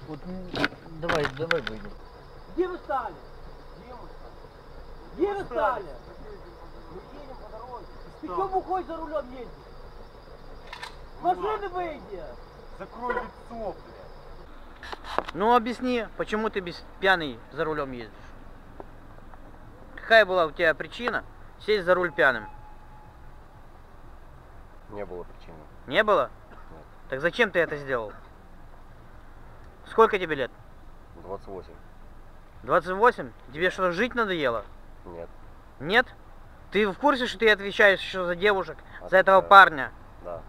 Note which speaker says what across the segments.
Speaker 1: Вот, давай выйдем.
Speaker 2: Где вы стали? Где вы стали?
Speaker 3: Мы едем по дороге.
Speaker 2: Ты что бухой за рулем ездишь? С машины выйди!
Speaker 3: Закрой лицо, блядь.
Speaker 1: Ну объясни, почему ты пьяный за рулем ездишь? Какая была у тебя причина сесть за руль пьяным?
Speaker 3: Не было причины.
Speaker 1: Не было?
Speaker 3: Нет.
Speaker 1: Так зачем ты это сделал? Сколько тебе лет?
Speaker 3: 28.
Speaker 1: 28? Тебе что, жить надоело?
Speaker 3: Нет.
Speaker 1: Нет? Ты в курсе, что ты отвечаешь еще за девушек, за
Speaker 3: Отвечаю.
Speaker 1: этого парня?
Speaker 3: Да.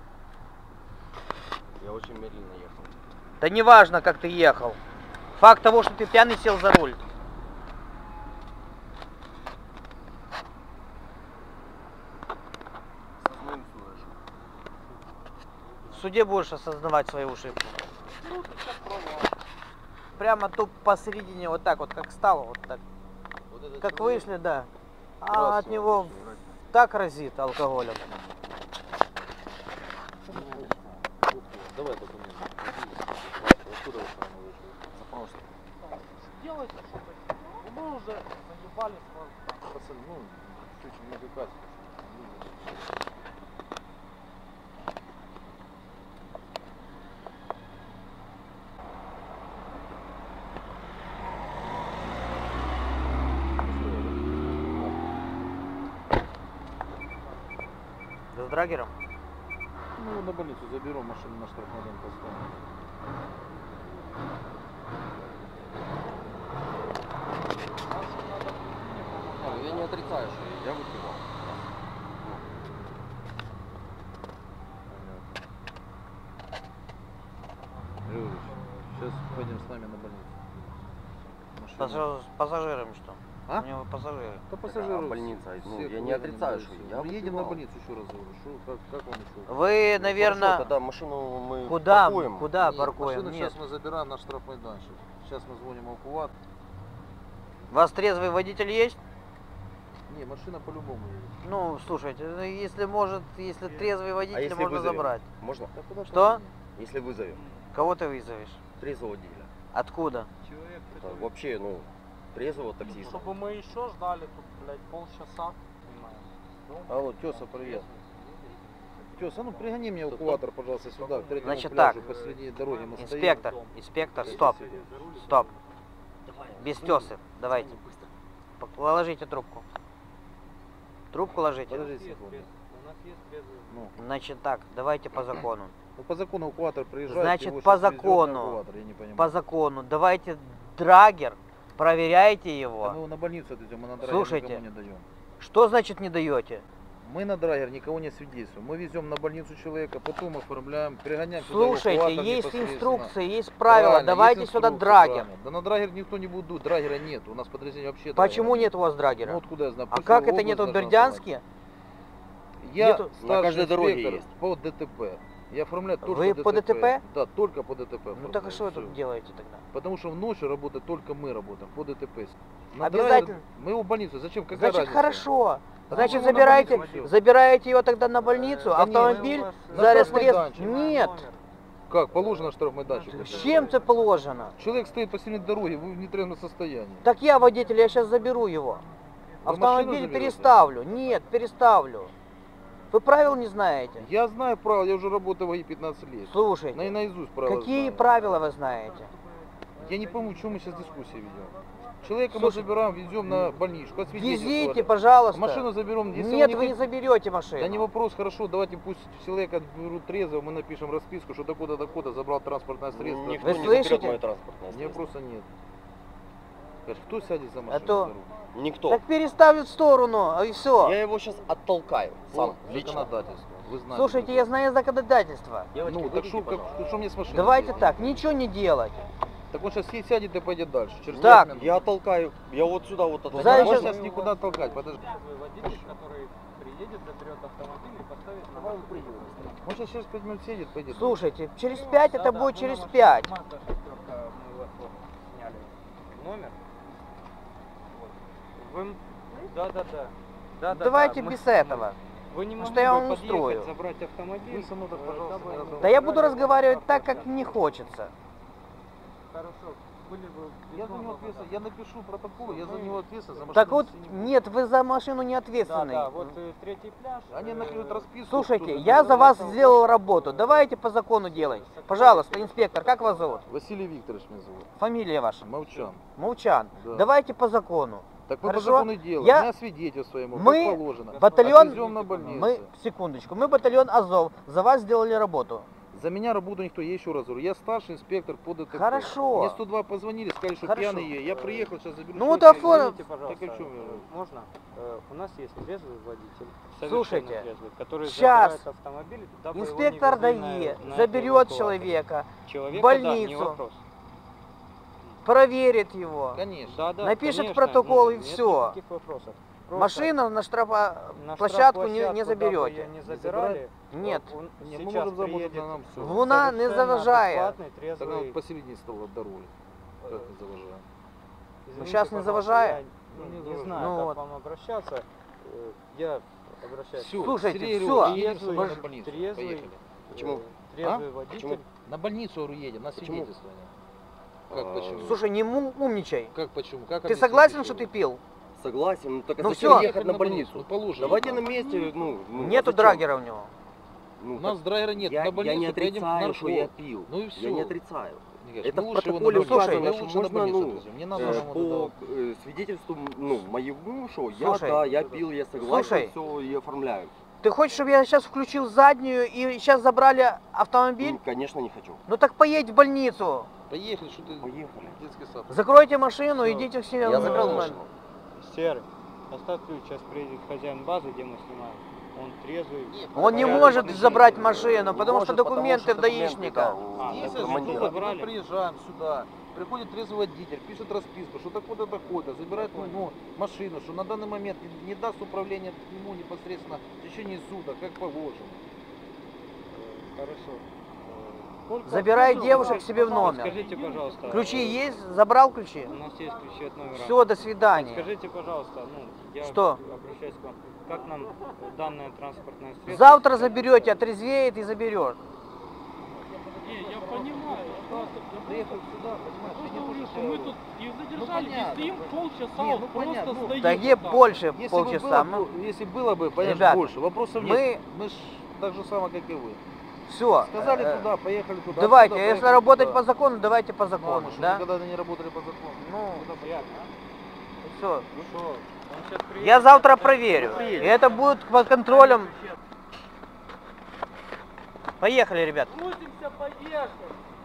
Speaker 3: Я очень медленно ехал.
Speaker 1: Да не важно, как ты ехал. Факт того, что ты пьяный сел за руль. В суде будешь осознавать свои ошибки.
Speaker 3: Ну, ты сейчас пробовал.
Speaker 1: Прямо тут посередине, вот так вот, как стало, вот так.
Speaker 3: Вот этот
Speaker 1: Как
Speaker 3: человек
Speaker 1: вышли, да. А
Speaker 3: красный,
Speaker 1: от него
Speaker 3: вроде.
Speaker 1: так разит алкоголем.
Speaker 3: Давай документы. Откуда вы там вышли? Запрос.
Speaker 2: Делайте что-то. Ну мы уже заебали сразу.
Speaker 3: Пацаны, ну, чуть-чуть не выкатывай.
Speaker 1: Да с драгером?
Speaker 4: Ну, на больницу заберу, машину на штрафмайдан поставим.
Speaker 3: Я не отрицаю, что я выпивал.
Speaker 4: Григорьевич, сейчас пойдем с нами на больницу.
Speaker 1: С пассажирами что?
Speaker 4: А?
Speaker 1: У него пассажиры.
Speaker 4: Да пассажиров.
Speaker 3: А больница, ну,
Speaker 4: всех
Speaker 3: я не
Speaker 4: выедем
Speaker 3: отрицаю,
Speaker 4: на
Speaker 3: что
Speaker 4: больницу.
Speaker 3: я
Speaker 4: Ну, едем на
Speaker 3: выпивал.
Speaker 4: больницу, еще раз говорю. Как вам еще?
Speaker 1: Вы,
Speaker 3: Хорошо,
Speaker 1: наверное,
Speaker 3: тогда машину мы
Speaker 1: куда
Speaker 3: паркуем.
Speaker 1: паркуем?
Speaker 4: Машину
Speaker 1: Нет.
Speaker 4: сейчас мы забираем на штрафмайданчик. Сейчас мы звоним эвакуатор.
Speaker 1: У вас трезвый водитель есть?
Speaker 4: Не, машина по-любому едет.
Speaker 1: Ну, слушайте, ну, если трезвый водитель,
Speaker 3: если
Speaker 1: можно
Speaker 3: вызовем?
Speaker 1: забрать.
Speaker 3: Можно?
Speaker 4: Да куда
Speaker 1: Что?
Speaker 4: там?
Speaker 3: Если вызовем.
Speaker 1: Кого ты вызовешь?
Speaker 3: Трезвого водителя.
Speaker 1: Откуда?
Speaker 3: Это вообще, ну, трезвого таксиста.
Speaker 2: Чтобы мы еще ждали тут, блядь, полчаса.
Speaker 4: Алло, Тёса, привет. Тёса, ну пригони мне эвакуатор, пожалуйста, сюда, к третьему
Speaker 1: Значит
Speaker 4: пляжу,
Speaker 1: так,
Speaker 4: посреди дороги мы стоим.
Speaker 1: Инспектор, стоп, стоп. Без тёсы, давайте. Положите трубку. Трубку ложите.
Speaker 4: Подожди секунду. Ну,
Speaker 1: Значит так, давайте по закону.
Speaker 4: ну, по закону эвакуатор приезжает.
Speaker 1: Значит,
Speaker 4: его
Speaker 1: по
Speaker 4: щас везет на
Speaker 1: закону.
Speaker 4: эвакуатор, я не понимаю.
Speaker 1: По закону, давайте драгер, проверяйте
Speaker 4: Да мы
Speaker 1: его.
Speaker 4: его на больницу отвезем, мы на драгер
Speaker 1: Слушайте.
Speaker 4: никому не даем.
Speaker 1: Что значит не даете?
Speaker 4: Мы на драгер никого не свидетельствуем. Мы везем на больницу человека, потом оформляем, перегоняем сюда
Speaker 1: Слушайте,
Speaker 4: эвакуатор
Speaker 1: есть
Speaker 4: непосредственно.
Speaker 1: инструкции, есть правила,
Speaker 4: Правильно,
Speaker 1: давайте
Speaker 4: есть
Speaker 1: сюда
Speaker 4: инструкция,
Speaker 1: драгер.
Speaker 4: правильно. Да на драгер никто не будет, драгера нет. У нас подразделение вообще
Speaker 1: Почему
Speaker 4: драгера
Speaker 1: нет у вас драгера?
Speaker 4: Ну откуда я знаю?
Speaker 1: А
Speaker 4: Пусть
Speaker 1: как
Speaker 4: его
Speaker 1: это нет в
Speaker 4: область должна
Speaker 1: Бердянске?
Speaker 4: знать. Я
Speaker 1: Нету?
Speaker 4: старший
Speaker 3: На каждой дороге
Speaker 4: инспектор
Speaker 3: есть.
Speaker 4: по ДТП. Я оформляю только
Speaker 1: Вы по ДТП?
Speaker 4: Да, только по ДТП.
Speaker 1: Ну так а
Speaker 4: оформляю,
Speaker 1: что вы
Speaker 4: всё.
Speaker 1: тут делаете тогда?
Speaker 4: Потому что в ночь работает только мы работаем по ДТП.
Speaker 1: Обязательно.
Speaker 4: Мы его в больницу. Зачем? Какая
Speaker 1: Значит,
Speaker 4: разница?
Speaker 1: хорошо.
Speaker 4: Да
Speaker 1: Значит,
Speaker 4: мы его на
Speaker 1: забирайте,
Speaker 4: больницу всё.
Speaker 1: забираете его тогда на больницу,
Speaker 4: Да
Speaker 1: автомобиль
Speaker 4: нет,
Speaker 1: за
Speaker 4: штрафмайданчик.
Speaker 1: Нет.
Speaker 4: Как? Положено штрафмайданчик.
Speaker 1: С чем это положено?
Speaker 4: Человек стоит посередине дороги, вы в нетрезвом состоянии.
Speaker 1: Так я водитель, я сейчас заберу его.
Speaker 4: Вы
Speaker 1: Автомобиль
Speaker 4: машину заберете?
Speaker 1: переставлю. Нет, переставлю. Вы правил не знаете?
Speaker 4: Я знаю правила, я уже работаю в АИ 15 лет.
Speaker 1: Слушайте,
Speaker 4: Наизусть правила
Speaker 1: какие
Speaker 4: знаю.
Speaker 1: правила вы знаете?
Speaker 4: Я не пойму, чем мы сейчас дискуссии ведем. Человека
Speaker 1: Слушай,
Speaker 4: мы забираем, везем на больничку, освидетельствовали.
Speaker 1: Везите, пожалуйста.
Speaker 4: Машину заберем. Если
Speaker 1: Нет,
Speaker 4: он
Speaker 1: вы не заберете машину.
Speaker 4: Да не вопрос, хорошо, давайте пусть человека берут трезво, мы напишем расписку, что докуда забрал транспортное средство.
Speaker 3: Никто
Speaker 1: Вы
Speaker 3: не
Speaker 1: слышите?
Speaker 3: заберет мое транспортное
Speaker 4: Мне
Speaker 3: средство.
Speaker 4: вопроса нет. Скажешь, кто сядет за машину?
Speaker 1: то-
Speaker 4: за руль?
Speaker 3: Никто.
Speaker 1: Так переставят в сторону, и все.
Speaker 3: Я его сейчас оттолкаю. Сам,
Speaker 4: По
Speaker 3: лично.
Speaker 4: законодательству. Вы знаете.
Speaker 1: Слушайте, я знаю законодательство.
Speaker 4: Ну, так что мне с машиной
Speaker 1: Давайте
Speaker 4: делать?
Speaker 1: так, ничего не делать.
Speaker 4: Так он сейчас сядет и пойдет дальше. Через
Speaker 1: Так.
Speaker 4: 5 минут.
Speaker 3: Я оттолкаю. Я вот сюда вот
Speaker 4: Да
Speaker 3: оттолкаю.
Speaker 4: не
Speaker 1: Знаешь,
Speaker 4: можно сейчас никуда толкать, подожди.
Speaker 2: Водитель, который приедет, заберет автомобиль и поставит на базу приема.
Speaker 4: Он сейчас через 5 минут сядет, пойдет.
Speaker 1: Слушайте, через 5 это будет через 5.
Speaker 2: Мы вас вот сняли номер. Вот. Вы... Да.
Speaker 1: Давайте без этого.
Speaker 2: Вы не
Speaker 1: Потому
Speaker 2: могли
Speaker 1: что я
Speaker 2: бы
Speaker 1: вам
Speaker 2: подъехать,
Speaker 1: устрою.
Speaker 2: забрать автомобиль?
Speaker 4: Вы со мной так, пожалуйста, не
Speaker 1: Да я буду разговаривать так, как мне хочется.
Speaker 2: Хорошо. Были бы...
Speaker 4: Я за него ответственен, я напишу протокол, я за него ответственен, за машину.
Speaker 1: Так вот,
Speaker 4: нести не буду.
Speaker 1: нет, вы за машину не
Speaker 2: Да,
Speaker 1: ответственны.
Speaker 2: да, вот третий пляж.
Speaker 4: Они накроют расписку.
Speaker 1: Слушайте,
Speaker 4: кто-то
Speaker 1: я
Speaker 4: там-
Speaker 1: за вас сделал работу. Давайте по закону делать. Пожалуйста, инспектор, как вас зовут?
Speaker 4: Василий Викторович меня зовут.
Speaker 1: Фамилия ваша?
Speaker 4: Молчан.
Speaker 1: Молчан.
Speaker 4: Да.
Speaker 1: Давайте по закону.
Speaker 4: Так мы
Speaker 1: Хорошо.
Speaker 4: по закону делаем.
Speaker 1: Я-
Speaker 4: У меня свидетельство ему,
Speaker 1: Мы
Speaker 4: как положено.
Speaker 1: батальон-
Speaker 4: Отвезем на больницу.
Speaker 1: Мы, секундочку, мы батальон Азов. За вас сделали работу.
Speaker 4: За меня работу никто, я еще раз говорю, я старший инспектор по ДТП.
Speaker 1: Хорошо.
Speaker 4: Мне 102 позвонили, сказали, что
Speaker 1: Хорошо.
Speaker 4: пьяный я. Я приехал, сейчас заберу.
Speaker 1: Ну вот
Speaker 4: человека.
Speaker 1: оформ-
Speaker 2: Извините, пожалуйста,
Speaker 4: Так о чем я?
Speaker 2: можно? У нас есть трезвый водитель,
Speaker 1: Слушайте,
Speaker 2: совершенно трезвый, который
Speaker 1: щас
Speaker 2: забирает автомобиль, дабы его не
Speaker 1: Инспектор
Speaker 2: везли
Speaker 1: ДАИ
Speaker 2: на
Speaker 1: заберет
Speaker 2: эвакуацию.
Speaker 1: человека,
Speaker 2: Человека,
Speaker 1: больницу.
Speaker 2: да, не вопрос.
Speaker 1: проверит его.
Speaker 4: Конечно.
Speaker 2: Да, да,
Speaker 1: Напишет
Speaker 2: конечно,
Speaker 1: протокол и
Speaker 2: нет
Speaker 1: всё.
Speaker 2: никаких вопросов. Просто
Speaker 1: Машину на
Speaker 2: на
Speaker 1: штрафплощадку не
Speaker 2: штрафплощадку,
Speaker 1: заберете.
Speaker 2: дабы ее не забирали.
Speaker 1: Нет.
Speaker 2: Он
Speaker 4: Не, мы
Speaker 2: сейчас
Speaker 4: можем заработать
Speaker 2: приедет
Speaker 4: на нам все.
Speaker 1: Луна не
Speaker 2: совершенно
Speaker 1: заважает.
Speaker 2: адекватный,
Speaker 4: Так
Speaker 2: трезвый.
Speaker 4: вот посередине стол от дороги. Как не заважаем?
Speaker 2: Извините,
Speaker 1: сейчас не
Speaker 2: пожалуйста,
Speaker 1: заважает?
Speaker 2: я
Speaker 4: Не
Speaker 2: не
Speaker 4: заважает.
Speaker 2: знаю,
Speaker 1: Ну
Speaker 2: как
Speaker 1: вот.
Speaker 2: вам обращаться. Я обращаюсь.
Speaker 4: Всё,
Speaker 1: Слушайте,
Speaker 4: Сергей
Speaker 1: всё.
Speaker 4: Григорьевич, едем с
Speaker 2: Трезвый,
Speaker 4: тобой на больницу.
Speaker 2: трезвый,
Speaker 4: Поехали.
Speaker 3: Почему?
Speaker 2: трезвый водитель.
Speaker 3: Почему?
Speaker 4: На больницу, говорю, едем, на
Speaker 3: Почему?
Speaker 4: свидетельствование. Как почему?
Speaker 1: Слушай, не умничай.
Speaker 4: Как почему? Как
Speaker 1: Ты
Speaker 4: они
Speaker 1: согласен, что ты
Speaker 4: свидетельствовали?
Speaker 1: пил?
Speaker 3: Согласен, ну так а
Speaker 1: Ну
Speaker 3: зачем
Speaker 1: всё.
Speaker 3: ехать на больницу?
Speaker 4: Ну, положено.
Speaker 3: Давайте на месте,
Speaker 1: Нету
Speaker 3: а зачем?
Speaker 1: драгера у него.
Speaker 3: Ну,
Speaker 4: У нас драйвера нет,
Speaker 3: я,
Speaker 4: на больницу
Speaker 3: я не
Speaker 4: поедем к
Speaker 3: отрицаю, что я
Speaker 4: наркологу.
Speaker 3: пил.
Speaker 4: Ну и
Speaker 3: Я
Speaker 4: все.
Speaker 3: не отрицаю.
Speaker 4: Николай,
Speaker 3: Это
Speaker 4: мы
Speaker 3: в
Speaker 4: лучше его на
Speaker 3: протоколе
Speaker 4: больницу.
Speaker 1: указано,
Speaker 4: Мы
Speaker 3: что
Speaker 4: лучше на
Speaker 3: можно,
Speaker 4: больницу
Speaker 3: ну,
Speaker 4: отвезем. Не надо нам
Speaker 3: По
Speaker 4: туда.
Speaker 3: свидетельству моему, что
Speaker 1: Слушай,
Speaker 3: я пил, я согласен,
Speaker 1: слушай.
Speaker 3: все и оформляю.
Speaker 1: Ты хочешь, чтобы я сейчас включил заднюю и сейчас забрали автомобиль?
Speaker 3: Ну, конечно, не хочу.
Speaker 1: Ну так поедь в больницу.
Speaker 4: Поехали, что ты
Speaker 3: Поехали.
Speaker 4: детский сад.
Speaker 1: Закройте машину,
Speaker 2: Всё.
Speaker 1: идите к себе.
Speaker 3: Я
Speaker 1: на
Speaker 3: закрыл
Speaker 1: нормально.
Speaker 3: машину.
Speaker 2: Серый, оставь ключ, сейчас приедет хозяин базы, где мы снимаем. Он трезвый.
Speaker 1: Он не
Speaker 2: порядок
Speaker 1: может
Speaker 2: машины.
Speaker 1: забрать машину,
Speaker 3: Не
Speaker 1: потому что
Speaker 3: может,
Speaker 1: документы
Speaker 3: потому что
Speaker 1: даишника.
Speaker 3: да,
Speaker 2: А,
Speaker 3: у
Speaker 4: Если
Speaker 3: командира.
Speaker 4: забрали, мы приезжаем сюда, приходит трезвый водитель, пишет расписку, что такое-то такое-то, забирает машину, что на данный момент не даст управление ему непосредственно в течение суток, как положено.
Speaker 2: Хорошо.
Speaker 1: Забирай
Speaker 2: Ну,
Speaker 1: девушек себе в
Speaker 2: пожалуйста,
Speaker 1: номер.
Speaker 2: Скажите, пожалуйста.
Speaker 1: Ключи есть? Забрал ключи?
Speaker 2: У нас есть ключи от номера.
Speaker 1: Все, до свидания.
Speaker 2: Скажите, пожалуйста, я
Speaker 1: Что?
Speaker 2: обращаюсь к вам, как нам данное транспортное средство...
Speaker 1: Завтра заберете, отрезвеет и заберешь.
Speaker 5: Не, я понимаю, я просто
Speaker 4: Приехал сюда, понимаешь, я не
Speaker 5: говорю,
Speaker 4: то,
Speaker 5: что мы тут и задержали, и
Speaker 4: понятно.
Speaker 5: стоим полчаса,
Speaker 4: Не,
Speaker 5: вот
Speaker 4: ну,
Speaker 5: просто
Speaker 4: понятно, ну,
Speaker 5: стоим.
Speaker 1: Да где
Speaker 5: вот так.
Speaker 1: больше
Speaker 4: Если
Speaker 1: полчаса?
Speaker 4: бы было, если было бы, понятно,
Speaker 1: Ребята,
Speaker 4: больше, вопросов
Speaker 1: мы-
Speaker 4: нет. Мы ж так же самое, как и вы.
Speaker 1: Все.
Speaker 4: Сказали туда, поехали туда.
Speaker 1: Давайте,
Speaker 4: туда,
Speaker 1: если
Speaker 4: поехали
Speaker 1: работать
Speaker 4: туда.
Speaker 1: по закону, давайте по закону,
Speaker 4: Мама, что
Speaker 1: да?
Speaker 4: никогда не работали по закону.
Speaker 1: Ну,
Speaker 2: Приятно,
Speaker 1: все.
Speaker 2: Ну что, он сейчас приедет.
Speaker 1: Я завтра проверю. И это будет под контролем. Поехали, ребят.
Speaker 5: Крутимся, поехали.